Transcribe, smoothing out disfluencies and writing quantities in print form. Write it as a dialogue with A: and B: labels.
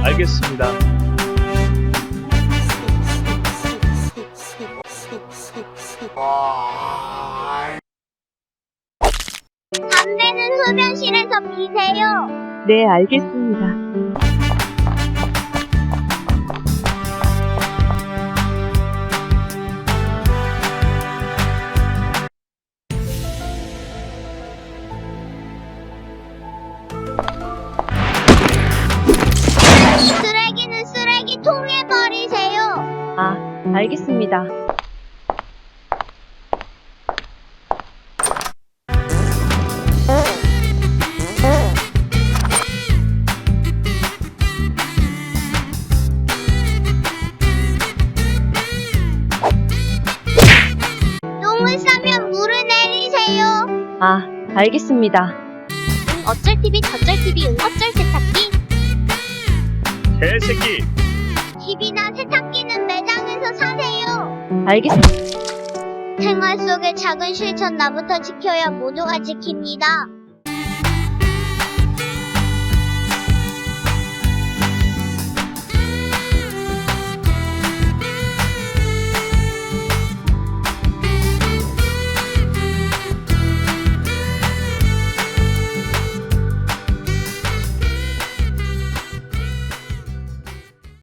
A: 알겠습니다.
B: 담배는 흡연실에서 피세요.
C: 네, 알겠습니다.
B: 쓰레기는 쓰레기통에 버리세요.
C: 아, 알겠습니다.
B: 똥을 싸면 물을 내리세요.
C: 아, 알겠습니다.
B: 어쩔 TV 저쩔 TV 어쩔 세탁기.
A: 개새끼.
B: TV나 세탁기는 매장에서 사세요.
C: 알겠습니다.
B: 생활 속의 작은 실천 나부터 지켜야 모두가 지킵니다.